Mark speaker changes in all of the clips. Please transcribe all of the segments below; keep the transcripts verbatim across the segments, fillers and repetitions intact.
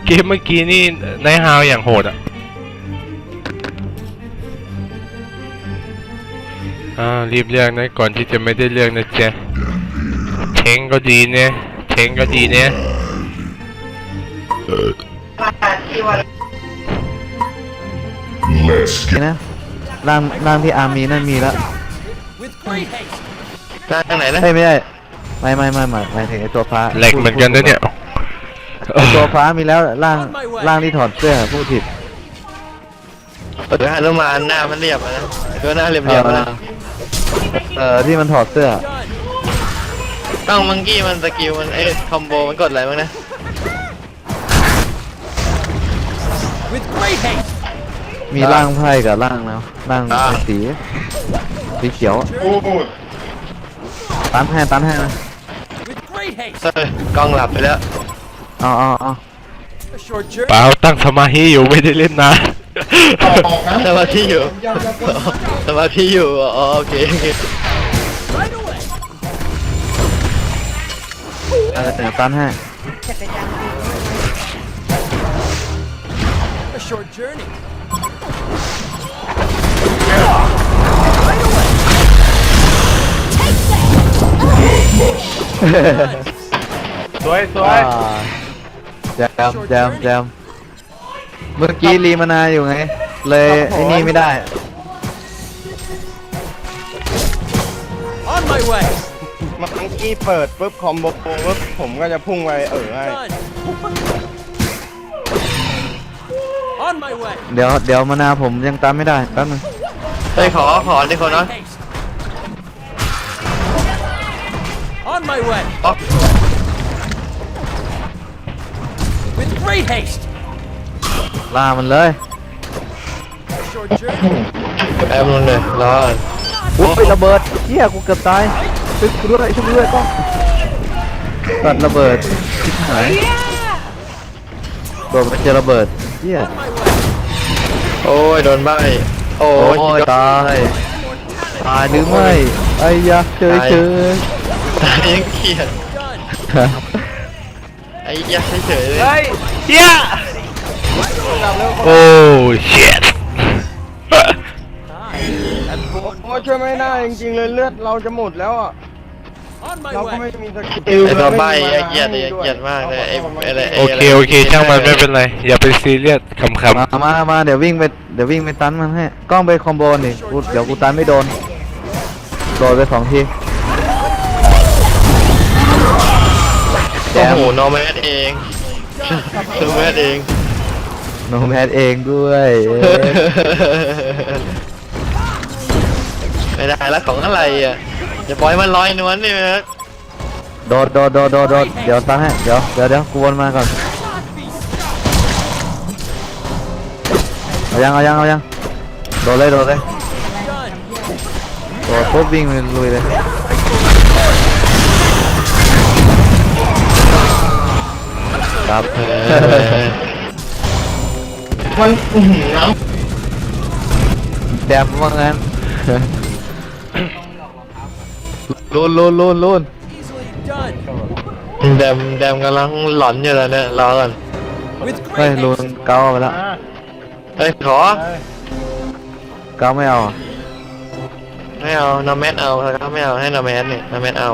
Speaker 1: เกมเมื่อกี้นี่นายฮาวอย่างโหดอ่ะอ่ารีบเลือกนะก่อนที่จะไม่ได้เลือกนะจ๊ะเทงก็ดีเนี่ยเทงก็ดีเนี่ย
Speaker 2: นะร่างร่างที่อาร์มีนั่นมีแล้ว
Speaker 3: ร่างไหนนะ
Speaker 2: ไม่ไม่ใช่ไม่ไม่ไม่ไม่หมายถึงไอตัวฟ้า
Speaker 1: แหลกเหมือนกันนะเนี่ย
Speaker 2: ไอตัวฟ้ามีแล้วร่างร่างที่ถอดเสื้อพูดผิด
Speaker 3: เออฮานุมานหน้ามันเรียบนะตัวหน้าเรียบเรียบนะ
Speaker 2: เออที่มันถอดเสื้อ
Speaker 3: ต้องมังกี้มันสกิลมันเอ้คอมโบมันกดอะไรบ้างนะ
Speaker 2: มีร่างไพ่กับร่างแล้วร่างสีสีเขียวตันให้ตันให้นะ
Speaker 3: เออกล้องหลับไปแล้ว
Speaker 2: อ๋ออ๋ออ๋อ
Speaker 1: เปล่าตั้งสมาธิอยู่ไม่ได้เล่นนะ
Speaker 3: สมาธิอยู่สมาธิอยู่อ๋อโอเค
Speaker 2: เออแต่ตันให้
Speaker 1: สวยสวย
Speaker 2: แจมแจมแจมเมื่อกี้รีมานาอยู่ไงเลยไอ้นี่ไม่ได้
Speaker 4: มังกี้เปิดปุ๊บคอมโบปุ๊บผมก็จะพุ่งไปเออให้
Speaker 2: เดี๋ยวเดี๋ยวมานาผมยังตามไม่ได้แป๊บนึง
Speaker 3: ไปขอขอดิคนน้อย
Speaker 5: On my way. With great haste.
Speaker 2: ล่ามันเลย
Speaker 3: แอบลงเลยรอ
Speaker 2: โอ้ยระเบิดเฮียกูเกือบตายช่วยกูด้วยช่วยกูด้วยก็ตัดระเบิดชิบหายโดนมันเจอระเบิดเฮีย
Speaker 3: โอ้ยโดนใบโอ้
Speaker 2: ยตายตายหรือไม่ไอ้ยะเจอเจอ
Speaker 3: ตายยังเขียนไอ้ยักษ์เฉยเลย
Speaker 1: เฮ้ยเฮียโอ้เชิต
Speaker 4: โอ้ช่วยไม่ได้จริงๆเลยเลือดเราจะหมดแล้วอ่ะเราก็ไม่มีสกิล
Speaker 3: ไอ้ตัวใบไอ้เกียดไอ้เกียดมากเลยไอ้อะไร
Speaker 1: โอเคโอเคช่างมันไม่เป็นไรอย่าไปซีเรียสขำๆ
Speaker 2: มามาเดี๋ยววิ่งไปเดี๋ยววิ่งไปตันมันให้กล้องไปคอมโบนี่กูเดี๋ยวกูตันไม่โดนโดนไปสองที
Speaker 3: โอ้โหโนแมสเองโนแมสเอง
Speaker 2: โนแมสเองด้วย
Speaker 3: ไม่ได้แล้วของอะไรอ่ะจะปล่อยมันลอยนวลนี่ไหม
Speaker 2: โดดโดดโดดโดดโดดเดี๋ยวตั้งให้เดี๋ยวเดี๋ยวเดี๋ยวกูวนมาก่อนเอายังเอายังเอายังโดดเลยโดดเลยโดดปุ๊บวิ่งลุยเลยครับ
Speaker 3: มันน้
Speaker 2: ำแดมว่างั้นลุนลุนลุนลุน
Speaker 3: แดมแดมกำลังหลอนอยู่แล้วเนี่ยรอก่อน
Speaker 2: เฮ้ยลุนเกาไปแล้ว
Speaker 3: เฮ้ยขอ
Speaker 2: เกาไม่เอา
Speaker 3: ไม่เอานอแมสเอาแล้วไม่เอาให้นอแมสเนี่ยนอแมสเอา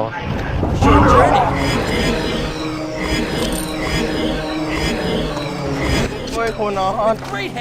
Speaker 4: คนนอน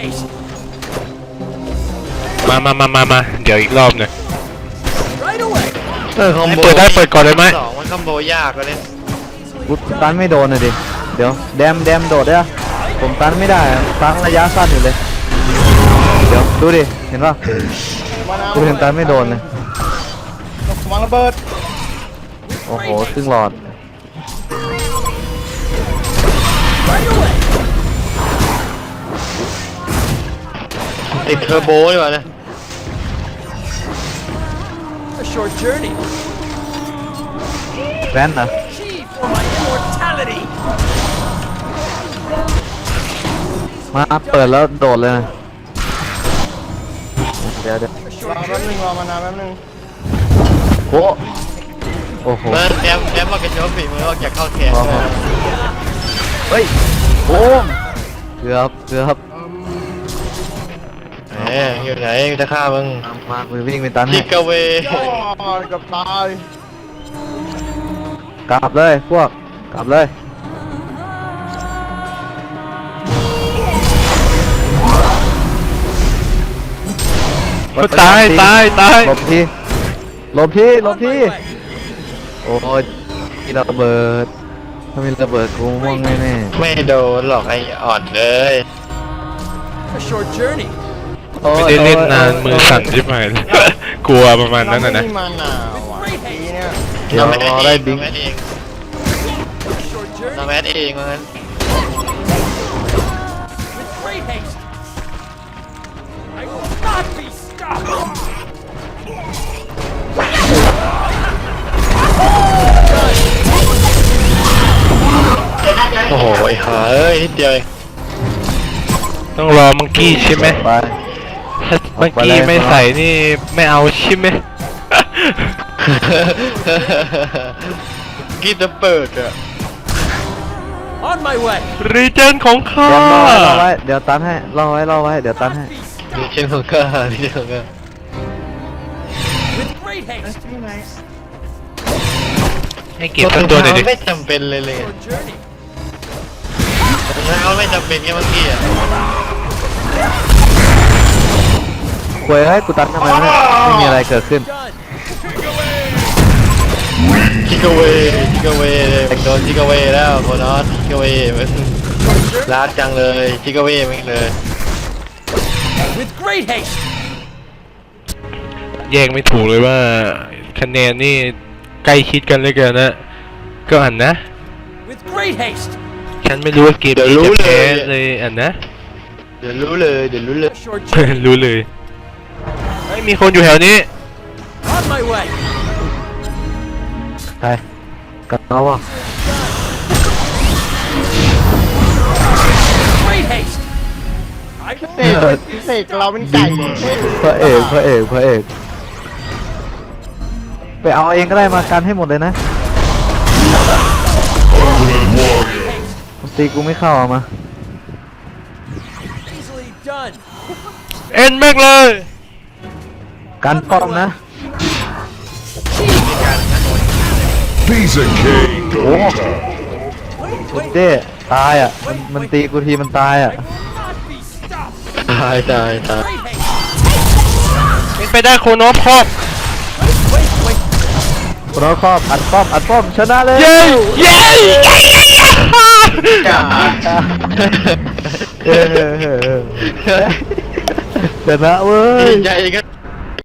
Speaker 1: มามามามามาเดี๋ยวอีกรอบหนึ่ง
Speaker 3: เออคอมโบ
Speaker 1: เปิดได้เปิดก่อนเลยไหม
Speaker 3: สองมันคอมโบยากเลย
Speaker 2: กูตันไม่โดนเลยดิเดี๋ยวแดมแดมโดดได้ผมตันไม่ได้ตันระยะสั้นอยู่เลยเดี๋ยวดูดิเห็นป่ะกูเห็นตันไม่โดนเลย
Speaker 4: วางระเบิด
Speaker 2: โอ้โหครึ่งหลอด
Speaker 3: ติดเทอร์โบดีกว่าเนี่ย
Speaker 2: แว่นนะมาเปิดแล้วโดดเลยนะเดี๋ยวเดี๋ยว
Speaker 4: รอแป๊บนึงรอมานานแป๊บนึง
Speaker 2: โอ้โอ้โห
Speaker 3: แอมแอมมากระโจมฝีมือออกจากเข้าแขน
Speaker 2: เฮ้ยโอ้เกือบเกือบ
Speaker 3: แหมอยู่ไหนจะฆ่ามึง
Speaker 2: มากูวิ่งไปตันให้
Speaker 3: จิกเว
Speaker 4: โอ้ยเกับตาย
Speaker 2: กลับเลยพวกกลับเลย
Speaker 1: ตายตายตาย
Speaker 2: หลบทีหลบทีหลบ
Speaker 5: On
Speaker 2: ที
Speaker 5: my way.
Speaker 2: โอ้ยมีระเบิดถ้ามีระเบิดกูม่วงแน่
Speaker 3: ไม่โดนหรอกไอ้อ่อนเลย
Speaker 5: A short journey.
Speaker 2: ๆโอ้ย
Speaker 1: ไม่ได้เล่นนาน
Speaker 2: โย
Speaker 1: มือสั่นชิบหายเลย กลัวประมาณนั้นนะนะ
Speaker 4: เราไม่มีมาหนาวอ่ะทีเนี่ย
Speaker 2: เดี๋ยวรอได้บิง
Speaker 3: เราแมทเอง
Speaker 5: A short
Speaker 3: เรา
Speaker 5: journey
Speaker 3: แมทเองว่างั้น
Speaker 5: with great haste. I will not be stopped.
Speaker 3: โอ้โหไอ้ห่าเอ้ยนิดเดียวเอง
Speaker 1: ต้องรอมังกี้ใช่ไหม
Speaker 2: ไป
Speaker 1: ถ้ามังกี้ไม่ใส่นี่ไม่เอาใช่ไหม
Speaker 3: กินจะเปิดอะ
Speaker 5: On my way.
Speaker 1: รีเจนของข้า
Speaker 2: เดี๋ยวรอไว้รอไว้เดี๋ยวตันให้รอไว้รอไว้เดี๋ยวตันให้
Speaker 5: Not be stopped.
Speaker 3: นี่เช่นของข้านี่เช่นของข้า
Speaker 5: With great haste.
Speaker 1: ให้เก็บสักตัวหน่อยดิ
Speaker 3: ไม่จำเป็นเลยเลย
Speaker 5: Short journey.
Speaker 3: เขาไม่จำเป็นแค่เมื่อกี้อะ
Speaker 2: ควยให้กูตันทำไมวะเนี่ยไม่มีอะไรเกิดขึ้น
Speaker 5: Done.
Speaker 3: จิกเวจิกเวโดนจิกเวแล้วโคนอสจิกเวมันลาดจังเลยจิกเวไม่งเลย
Speaker 5: With great haste.
Speaker 1: แยกไม่ถูกเลยว่าคะแนนนี่ใกล้ชิดกันเหลยเกินนะ ก็อันนะ
Speaker 5: With great haste.
Speaker 1: ฉันไม่รู้ว่าเกมนี้จะแพ้เลยอันนะ
Speaker 3: เดี๋ยวรู้เลยเดี๋ยวรู้เลย
Speaker 5: A short journey.
Speaker 1: รู้เลยไม่มีคนอยู่แถวนี้
Speaker 5: On my way.
Speaker 2: ไปกลับแล้ววะ
Speaker 5: Great haste. I
Speaker 4: เสกเสกเราเป็นไก่
Speaker 2: พระเอกพระเอกพระเอกไปเอาเองก็ได้มากันให้หมดเลยนะมันตีกูไม่เข้าเอามา
Speaker 5: easily done.
Speaker 1: เอ็นแม็กเลย
Speaker 2: กันป้อมนะ
Speaker 6: Piece of cake.
Speaker 2: โอ้คุณเจ้ตายอ่ะมันมันตีกูทีมันตายอ่ะ
Speaker 5: Not be stopped.
Speaker 3: ตายตายตาย
Speaker 5: Great haste.
Speaker 1: เป็นไปได้โคโนพอบ
Speaker 5: Wait, wait.
Speaker 2: คนเราครอบอัดป้อมอัดป้อมชนะเลย
Speaker 1: เย้เย้เย้เย้
Speaker 3: จ้า
Speaker 2: เออเออเออชนะเว้ย
Speaker 3: ดีใจกัน